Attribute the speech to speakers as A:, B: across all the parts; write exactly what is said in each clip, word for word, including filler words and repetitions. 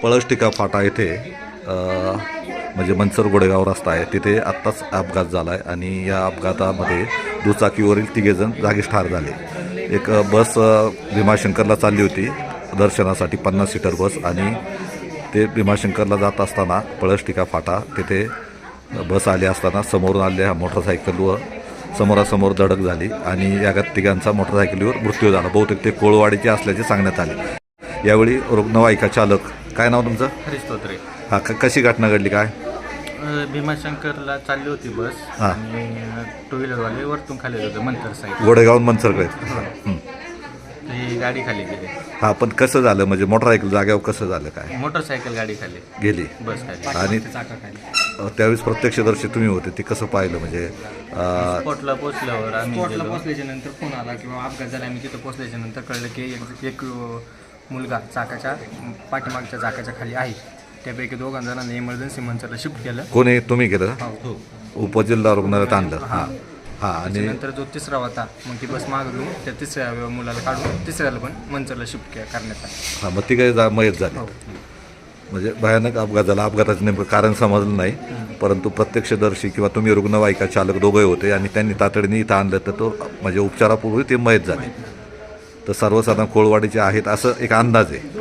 A: पळसटिका फाटा येथे अ, म्हणजे मनसर गोडेगाव रस्ता आहे, तिथे आत्ताच अपघात झाला आहे आणि या अपघातामध्ये दुचाकीवरील तिघेजण जागीच ठार झाले. एक बस अ, भीमाशंकरला चालली होती दर्शनासाठी, पन्नास सीटर बस, आणि ते भीमाशंकरला जात असताना पळसटिका फाटा तिथे बस आली असताना समोरून आलेल्या मोटरसायकल व समोरासमोर धडक झाली आणि या तिघांचा मोटरसायकलीवर मृत्यू झाला. बहुतेक ते कोळवाडीचे असल्याचे सांगण्यात आले. यावेळी रुग्णवाहिका चालक, काय नाव तुमचं?
B: हरीश तोत्रे.
A: हा, क कशी घटना घडली काय?
B: अ, भीमाशंकरला चालली होती बस
A: हां.
B: आणि टू व्हीलरवाले वरतून खाली होते मंतर साईड.
A: गोडेगावून मनसरकडे.
B: ती गाडी खाली गेली.
A: हा, पण कसं झालं म्हणजे मोटरसायकल जाग्यावर कसं झालं काय?
B: मोटरसायकल गाडी खाली
A: गेली
B: बस खाली
A: आणि अ, त्यावेळेस प्रत्यक्षदर्शी तुम्ही होते, ते कसं पाहिलं म्हणजे अ,
B: स्पॉटला पोचल्यावर आम्ही
C: स्पॉटला
B: गेलो.
C: पोचल्याच्या नंतर फोन आला किंवा अपघात झाला. आम्ही तिथं पोचल्याच्या नंतर कळलं की एक एक मुलगा चाकाच्या पाठीमागच्या चाकाच्या खाली आहे. त्यापैकी दोघा जणांना इमर्जन्सी मंचरला शिफ्ट केलं.
A: कोणी, तुम्ही केलं?
C: हो.
A: उपजिल्हा रुग्णालयात आणलं. हां हां. आणि
C: नंतर जो तिसरा होता, मग ती बस मागून त्या तिसऱ्या मुलाला काढून तिसऱ्याला पण मंचरला शिफ्ट करण्यात आलं.
A: हां, मग ती काही जा मयत झाली. म्हणजे भयानक अपघात झाला. अपघाताचं नेमकं कारण समजलं नाही, परंतु प्रत्यक्षदर्शी किंवा तुम्ही रुग्णवाहिका चालक दोघे होते आणि त्यांनी तातडीने इथं आणलं, तर तो म्हणजे उपचारापूर्वी ते मयत झाले. तर सर्वसाधारण कोळवाडीचे आहेत असं एक अंदाज आहे.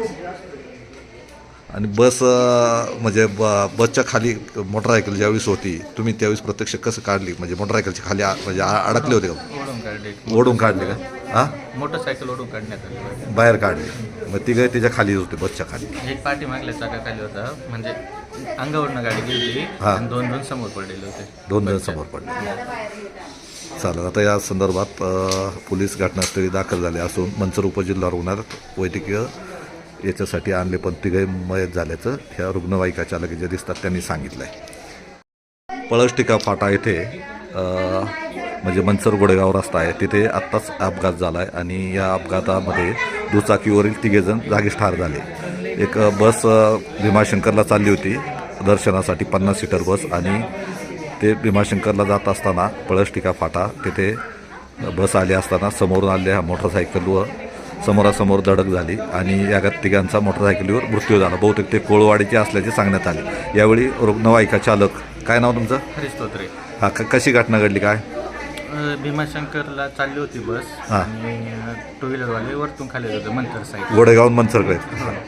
A: आणि बस अ, म्हणजे ब बसच्या खाली मोटरसायकल ज्यावेळेस होती, तुम्ही त्यावेळेस प्रत्यक्ष कसं काढली? म्हणजे मोटरसायकलच्या खाली आ- म्हणजे आ- अडकले होते का?
B: ओढून काढली.
A: ओढून काढले का? हां,
B: मोटरसायकल ओढून काढण्यात आली.
A: बाहेर काढले. मग ती काही त्याच्या खाली होते, बसच्या खाली.
B: एक पाठी मागल्या चाका खाली होता, म्हणजे अंगावरनं गाडी गेली
A: हां.
B: आणि दोन दोन समोर पडलेले होते.
A: दोन जण समोर पडले. चालेल. आता या संदर्भात अ, पोलीस घटनास्थळी दाखल झाले असून मनसर उपजिल्हा रुग्णालयात वैद्यकीय याच्यासाठी आणले, पण तिघे मयत झाल्याचं ह्या रुग्णवाहिका चालक जे दिसतात त्यांनी सांगितलं आहे. पळसटिका फाटा येथे अ, म्हणजे मनसर गोडेगाव रस्ता आहे, तिथे आत्ताच अपघात झाला आहे आणि या अपघातामध्ये दुचाकीवरील तिघेजण जागीच ठार झाले. एक बस अ, भीमाशंकरला चालली होती दर्शनासाठी, पन्नास सीटर बस, आणि ते भीमाशंकरला जात असताना पळसटिका फाटा तिथे बस आली असताना समोरून आलेल्या मोटरसायकल व समोरासमोर धडक झाली आणि या तिघांचा मोटरसायकलीवर मृत्यू झाला. बहुतेक ते कोळवाडीचे असल्याचे सांगण्यात आले. यावेळी रुग्णवाहिका चालक, काय नाव तुमचं?
B: हरीश तोत्रे.
A: हा, क कशी घटना घडली काय?
B: अ, भीमाशंकरला चालली होती बस
A: हां.
B: आणि टू व्हीलरवाले वरतून खाली होते मंतर साईड.
A: गोडेगावून मनसरकडे.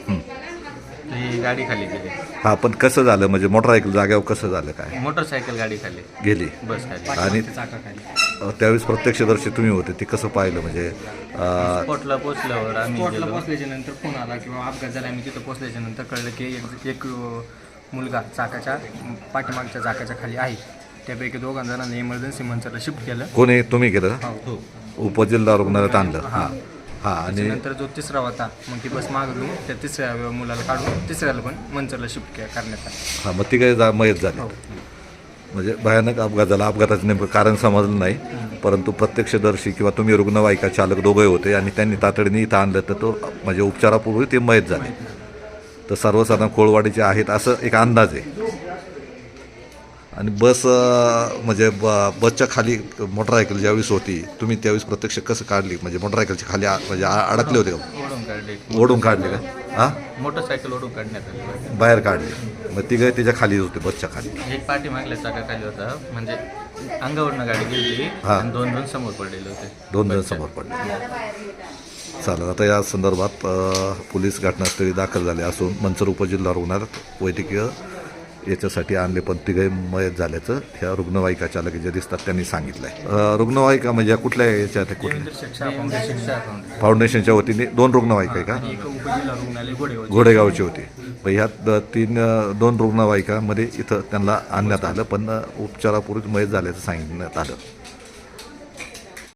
B: ती गाडी खाली गेली.
A: हा, पण कसं झालं म्हणजे मोटरसायकल जाग्यावर कसं झालं काय?
B: मोटरसायकल गाडी खाली
A: गेली
B: बस खाली.
A: आणि
C: चाका खाली
A: अ, त्यावेळेस प्रत्यक्षदर्शी तुम्ही होते, ते कसं पाहिलं म्हणजे अ,
B: स्पॉटला पोचल्यावर आम्ही
C: स्पॉटला
B: गेलो.
C: पोचल्याच्या नंतर फोन आला किंवा अपघात झाला. आम्ही तिथं पोचल्याच्या नंतर कळलं की एक एक मुलगा चाकाच्या पाठीमागच्या चाकाच्या खाली आहे. त्यापैकी दोघा जणांना इमर्जन्सी मंचरला शिफ्ट केलं.
A: कोणी, तुम्ही केलं?
C: हो.
A: उपजिल्हा रुग्णालयात आणलं. हां हां. आणि
C: नंतर जो तिसरा होता, मग ती बस मागून त्या तिसऱ्या मुलाला काढून तिसऱ्याला पण मंचरला शिफ्ट करण्यात आलं.
A: हां, मग ती काही जा मयत झाली. म्हणजे भयानक अपघात झाला. अपघाताचं नेमकं कारण समजलं नाही, परंतु प्रत्यक्षदर्शी किंवा तुम्ही रुग्णवाहिका चालक दोघे होते आणि त्यांनी तातडीने इथं आणलं, तर तो म्हणजे उपचारापूर्वी ते मयत झाले. तर सर्वसाधारण कोळवाडीचे आहेत असं एक अंदाज आहे. आणि बस अ, म्हणजे ब बसच्या खाली मोटरसायकल ज्यावेळेस होती, तुम्ही त्यावेळेस प्रत्यक्ष कसं काढली? म्हणजे मोटरसायकलच्या खाली आ- म्हणजे आ- अडकले होते का?
B: ओढून काढली.
A: ओढून काढले का? हां,
B: मोटरसायकल ओढून काढण्यात आली.
A: बाहेर काढले. मग ती काही त्याच्या खाली होते, बसच्या खाली.
B: एक पाठी मागल्या चाका खाली होता, म्हणजे अंगावरनं गाडी गेली
A: हां.
B: आणि दोन दोन समोर पडलेले होते.
A: दोन जण समोर पडले. चालेल. आता या संदर्भात अ, पोलीस घटनास्थळी दाखल झाले असून मनसर उपजिल्हा रुग्णालयात वैद्यकीय याच्यासाठी आणले, पण तिघे मयत झाल्याचं ह्या रुग्णवाहिका चालक जे दिसतात त्यांनी सांगितलं आहे. रुग्णवाहिका म्हणजे कुठल्या याच्यात आहे? कुठल्या
B: शिक्षा फाउंडेशन.
A: फाउंडेशनच्या वतीने दोन रुग्णवाहिका आहे का?
C: एक उपजिल्हा रुग्णालय गोडेगाव.
A: घोडेगावची होती. मग ह्या द- तीन अ, दोन रुग्णवाहिकामध्ये इथं त्यांना आणण्यात आलं, पण अ, उपचारापूर्वी मयत झाल्याचं सांगण्यात आलं.